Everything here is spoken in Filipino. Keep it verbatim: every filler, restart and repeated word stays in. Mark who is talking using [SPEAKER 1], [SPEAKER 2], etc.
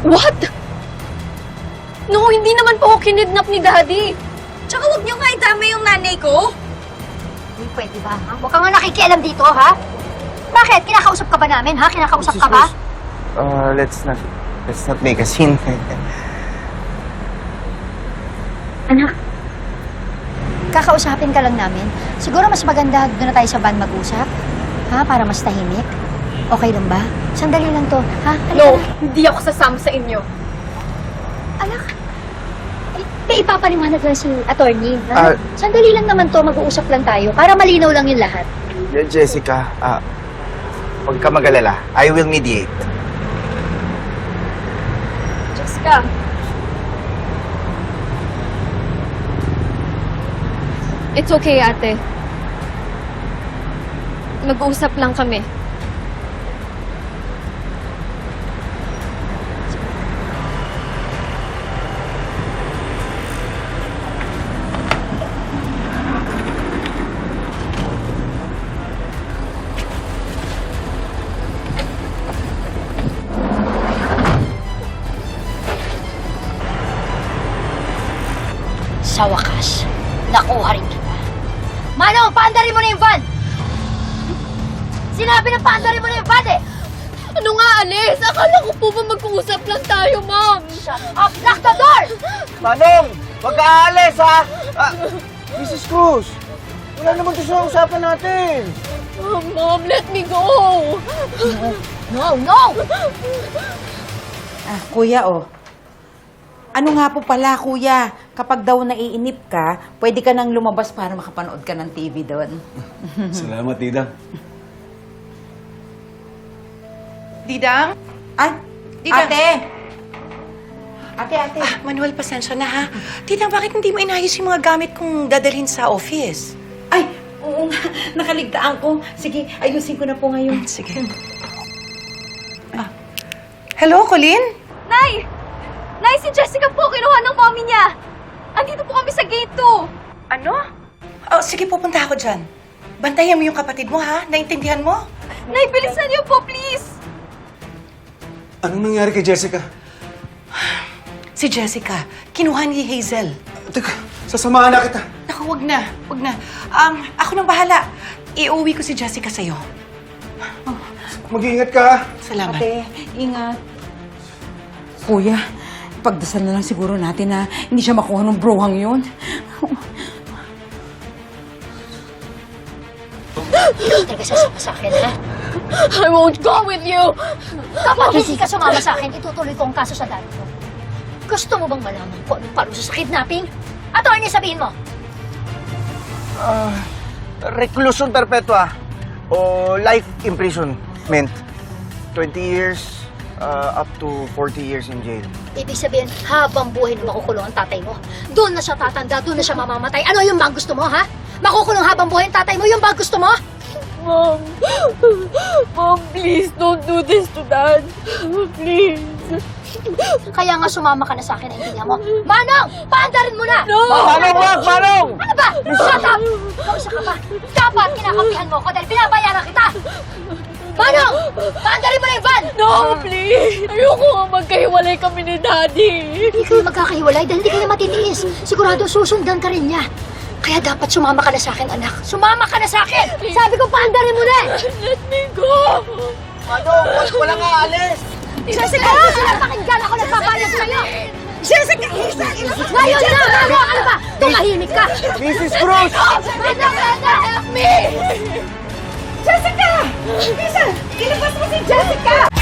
[SPEAKER 1] What? No, hindi naman po ako kinidnap ni Daddy.
[SPEAKER 2] Tsaka huwag niyo nga idama yung nanay ko.
[SPEAKER 3] Hindi pwede ba, ha? Huwag ka nga nakikialam dito, ha? Bakit? Kinakausap ka ba namin, ha? Kinakausap ka ba?
[SPEAKER 4] Uh, let's not, let's not make a scene.
[SPEAKER 3] Anak, kakausapin ka lang namin. Siguro mas maganda doon na tayo sa van mag-usap. Ha? Para mas tahimik. Okay lang ba? Sandali lang to, ha? Halika
[SPEAKER 1] No,
[SPEAKER 3] na.
[SPEAKER 1] hindi ako sasama sa inyo.
[SPEAKER 3] Anak, eh, may ipapaliwanag lang si attorney, ha?
[SPEAKER 4] Ah.
[SPEAKER 3] Sandali lang naman to, mag-uusap lang tayo para malinaw lang yung lahat.
[SPEAKER 4] Yeah, Jessica, ah, huwag ka mag-alala. I will mediate.
[SPEAKER 1] Jessica. It's okay, ate. Mag-uusap lang kami.
[SPEAKER 3] Sa wakas, nakuha rin kita. Manong, paandarin mo na yung van! Sinabi na paandarin mo na yung van, eh!
[SPEAKER 1] Ano nga, Alice? Akala ko po ba mag-uusap lang tayo, Mom?
[SPEAKER 3] Shut up! Lock the door!
[SPEAKER 4] Manong! Huwag ka aalis, ha? Ah, Missus Cruz! Wala naman ito sa usapan natin.
[SPEAKER 1] Oh, Mom, let me go!
[SPEAKER 3] No, no!
[SPEAKER 5] Ah, kuya, oh. Ano nga po pala, kuya? Kapag daw naiinip ka, pwede ka nang lumabas para makapanood ka ng T V doon.
[SPEAKER 6] Salamat, Didang.
[SPEAKER 7] Didang?
[SPEAKER 5] Ay,
[SPEAKER 7] Didang.
[SPEAKER 5] ate! Ate, ate.
[SPEAKER 7] Ah, Manuel, pasensya na ha. Didang, bakit hindi mo inayos yung mga gamit kong dadalhin sa office?
[SPEAKER 5] Ay, oo nga. Nakaligtaan ko. Sige, ayusin ko na po ngayon.
[SPEAKER 7] Sige. Ah. Hello, Colleen?
[SPEAKER 2] Nay! Nay, si Jessica po, kinuha ng mommy niya. Andito po kami sa gate two.
[SPEAKER 7] Ano? Oh, sige, pupunta ako dyan. Bantayan mo yung kapatid mo, ha? Naintindihan mo?
[SPEAKER 2] Nay, bilisan niyo po, please.
[SPEAKER 6] Anong nangyari kay Jessica?
[SPEAKER 7] Si Jessica, kinuha ni Hazel.
[SPEAKER 6] Teka, sasamahan na kita.
[SPEAKER 7] Naku, wag na. Wag na. Um, ako nang bahala. Iuwi ko si Jessica sa'yo.
[SPEAKER 6] Mag-iingat ka.
[SPEAKER 7] Salamat.
[SPEAKER 5] Ate, ingat. Kuya, pagdasal na lang siguro natin na hindi siya makuha ng brohang yun.
[SPEAKER 3] Hindi talaga sasama sa akin, ha?
[SPEAKER 1] I won't go with you!
[SPEAKER 3] Kapag hindi ka sumama sa akin, itutuloy ko ang kaso sa dad mo. Gusto mo bang malaman kung anong parusa sa kidnapping? Attorney, sabihin mo!
[SPEAKER 4] Ah, reclusion perpetua o life imprisonment. twenty years uh, up to forty years in jail.
[SPEAKER 3] Ibig sabihin, habang buhay na makukulong ang tatay mo. Doon na siya tatanda, doon na siya mamamatay. Ano yung ba gusto mo, ha? Makukulong habang buhay ang tatay mo, yung ba gusto mo?
[SPEAKER 1] Mom! Mom, please don't do this to Dad. Please.
[SPEAKER 3] Kaya nga sumama ka na sa akin, naintindihan mo. Manong! Paandarin mo na!
[SPEAKER 1] No!
[SPEAKER 4] Manong, wag! Manong!
[SPEAKER 3] Ano ba? Shut up! Kausa ka ba? Dapat kinakampihan mo ako dahil pinabayaran kita! Manong! Paandarin mo na yung van!
[SPEAKER 1] No, please! Ayoko nga magkahiwalay kami ni Daddy.
[SPEAKER 3] Hindi kayo magkakahiwalay dahil hindi kayo matitiis. Sigurado susundan ka rin niya. Kaya dapat sumama ka na sa akin, anak. Sumama ka na sa akin! Sabi ko, paandarin mo na!
[SPEAKER 1] Let me go!
[SPEAKER 4] Manong, wag ko lang aalis!
[SPEAKER 3] Jessica! Hindi sila pakinggan ako nagpapayag sa'yo!
[SPEAKER 7] Jessica!
[SPEAKER 3] Ngayon na! Ano? Ano ba? Tumahimik ka!
[SPEAKER 4] Missus Cruz!
[SPEAKER 3] Brenda! Brenda!
[SPEAKER 1] Help me!
[SPEAKER 7] Jessica! Lisa! Ilabas mo si Jessica!